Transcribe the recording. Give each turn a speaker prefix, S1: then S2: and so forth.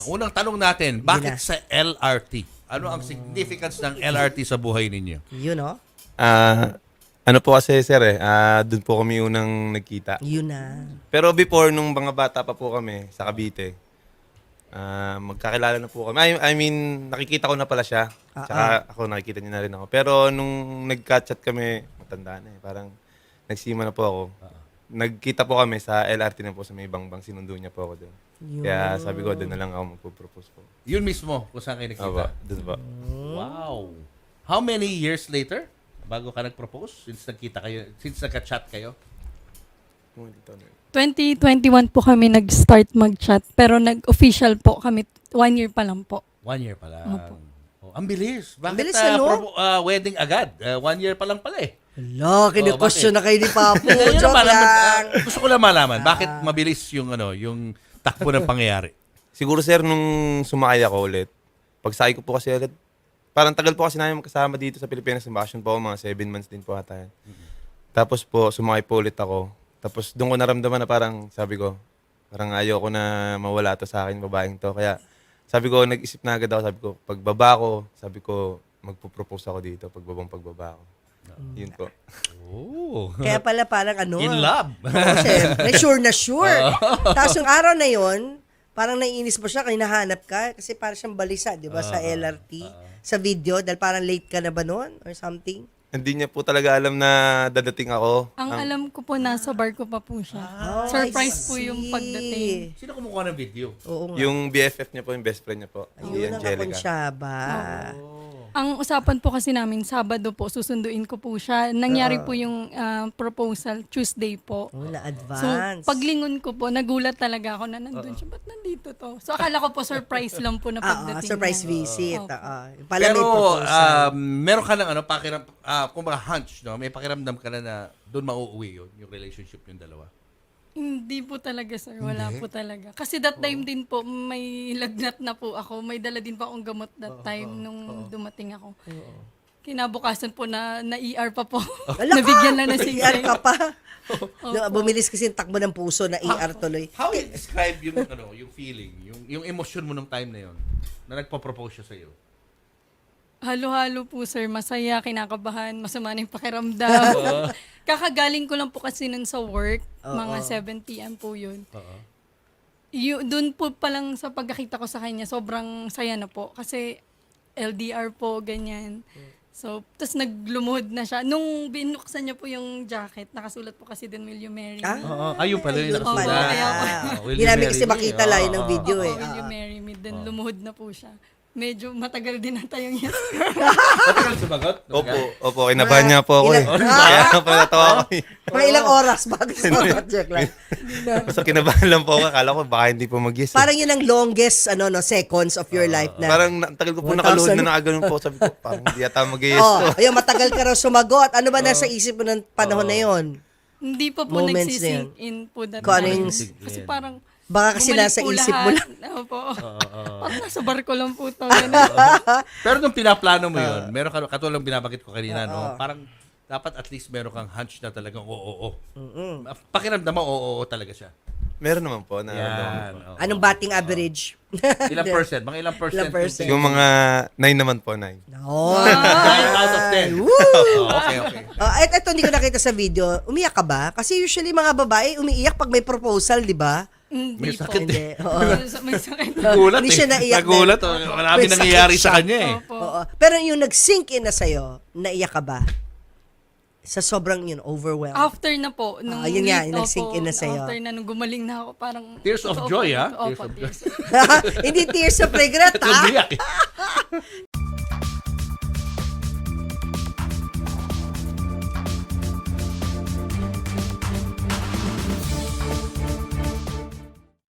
S1: Unang tanong natin, bakit sa LRT? Ano ang significance ng LRT sa buhay ninyo?
S2: Yun, no?
S3: Ano po kasi sir doon po kami unang nagkita.
S2: Yun na.
S3: Pero before, nung mga bata pa po kami sa Cavite, magkakilala na po kami. I mean, nakikita ko na pala siya. Tsaka ako, nakikita niya na rin ako. Pero nung nag-chat kami, matanda na eh. Parang nagsima na po ako. Nagkita po kami sa LRT na po sa may Bangbang. Sinundo niya po ako doon. Kaya sabi ko, doon na lang ako magpo-propose po.
S1: Yun mismo, kung saan kayo nakita.
S3: Doon po.
S1: Wow. How many years later bago ka nag-propose? Since nagkita kayo, since nagka-chat kayo?
S4: 2021 po kami nag-start mag-chat, pero nag-official po kami 1 year pa lang po.
S1: 1 year pa lang.
S4: Opo.
S1: Oh, ang bilis. Bakit
S2: bilis, ano?
S1: wedding agad? 1 year pa lang pala eh.
S2: Hala, kinu-question na kayo ni Papo.
S1: Yun
S2: Joke
S1: naman,
S2: lang.
S1: gusto ko lang malaman, bakit mabilis yung yung takbo ng pangyayari?
S3: Siguro sir, nung sumakay ako ulit, pagsakay ko po kasi ulit, parang tagal po kasi namin magkasama dito sa Pilipinas ng bakasyon po ako, mga 7 months din po ata yan. Tapos po, sumakay po ulit ako. Tapos doon ko naramdaman na parang, sabi ko, parang ayoko na mawala to sa akin, babaeng to. Kaya sabi ko, nag-isip na agad ako, sabi ko, pagbaba ko, sabi ko, magpo-propose ako dito, pagbaba ko. Yun po.
S1: Oh.
S2: Kaya pala parang ano.
S1: In love.
S2: Oo, syempre. Sure na sure. Tapos yung araw na yon, parang naiinis mo siya, hinahanap ka. Kasi parang siyang balisa, di ba, sa LRT. Sa video, dahil parang late ka na ba noon? Or something?
S3: Hindi niya po talaga alam na dadating ako.
S4: Ang alam ko po, nasa bar ko pa po siya.
S2: I
S4: Surprise po
S2: see.
S4: yung pagdating.
S1: Sino kumukuha ng video?
S2: Oo nga.
S3: Yung BFF niya po, yung best friend niya po, si
S2: Ayun ang
S3: Angelica.
S2: kakonsyaba.
S4: Ang usapan po kasi namin, Sabado po, susunduin ko po siya. Nangyari po yung proposal, Tuesday po.
S2: Oh,
S4: So,
S2: na-advance.
S4: paglingon ko po, nagulat talaga ako na nandun siya. Ba't nandito to? So, akala ko po surprise lang po na pagdating
S2: surprise
S4: niya.
S2: visit.
S4: Opo.
S2: Pala may
S1: Pero
S2: proposal.
S1: meron ka ng kumbaga hunch, no? May pakiramdam ka na doon mauuwi yun, yung relationship yung dalawa.
S4: Hindi po talaga, sir. Wala po talaga. Kasi that time din po, may lagnat na po ako. May dala din pa akong gamot that time nung dumating ako. Kinabukasan po na-ER pa po. Nabigyan lang na
S2: ER ka
S4: siya.
S2: pa. Bumilis kasi yung takbo ng puso na ER tuloy.
S1: How you describe yung yung feeling, yung emotion mo nung time na yon na nagpo-propose siya sa iyo?
S4: Halo-halo po, sir. Masaya, kinakabahan, masama na yung pakiramdam. Kakagaling ko lang po kasi nun sa work. Mga 7 p.m. po yun. Doon po palang sa pagkakita ko sa kanya, sobrang saya na po. Kasi LDR po, ganyan. So, tapos naglumuhod na siya. Nung binuksan niya po yung jacket, nakasulat po kasi din, Will You Marry Me?
S1: Ayun pala yung
S2: Ayun
S1: nakasulat.
S2: pala.
S4: Kaya po.
S1: Will
S2: Hindi
S1: you
S2: namin
S1: marry
S2: kasi
S1: me?
S2: makita lang yun ng video eh.
S4: Will You Marry Me? Then lumuhod na po siya. Medyo matagal din ata yung yes.
S1: Matagal sumagot?
S3: Opo, kinabahan niya po ako eh. Kaya pa natawa ako eh.
S2: Mga ilang oras bago sumagot. Joke lang.
S3: Basta kinabahan lang po ako. Akala ko baka hindi po mag-yes.
S2: Parang yun ang longest seconds of your life na.
S3: Parang tagal ko po
S2: 1,000.
S3: nakaluhod na nakaganon po. Sabi ko, parang hindi yata mag-yes
S2: Oh,
S3: to.
S2: ayun, matagal ka raw sumagot. Ano ba nasa isip mo ng panahon na yon?
S4: Hindi pa po
S2: Moments
S4: nagsisink in po that
S2: Kung ano
S4: time.
S2: yung-
S4: Kasi parang
S2: Baka kasi
S4: bumalik
S2: nasa
S4: po
S2: isip
S4: lahat.
S2: mo lang.
S4: Opo. Parang nasa barko lang po to.
S1: Pero nung pinaplano mo yun, meron ka, katulad ng binabagit ko kanina, no? Parang dapat at least meron kang hunch na talagang oo. Pakiramdam mo, oo talaga siya.
S3: Meron naman po. Na,
S1: Yan. oo.
S2: Anong batting average?
S1: Ilang percent? Mga ilang percent?
S2: Ilang percent?
S3: Yung mga 9 naman po, 9.
S2: Oh.
S1: 9 out of 10. Okay.
S2: Ito hindi ko nakita sa video. Umiyak ka ba? Kasi usually mga babae umiiyak pag may proposal, di ba?
S1: May
S4: Hindi po.
S1: sakit
S2: Hindi.
S1: eh.
S2: Oo.
S4: May sakit.
S1: Nagulat
S2: Hindi
S1: eh.
S2: siya naiyak
S1: Nagulat.
S2: dahil-
S1: Marami
S2: May sakit
S1: nangyayari
S2: siya.
S1: sa kanya eh.
S4: Opo.
S2: Oo. Pero yung nag-sink in na sa'yo, naiyak ka ba? Sa sobrang overwhelmed.
S4: After na po.
S2: yun nga, yung nag-sink in na sa'yo.
S4: After na, nung gumaling na ako, parang...
S1: Tears of
S4: Opo,
S1: joy, ha?
S4: Opo,
S1: Tears of
S4: tears.
S2: Hindi tears of regret, ha?
S1: Umiyak eh.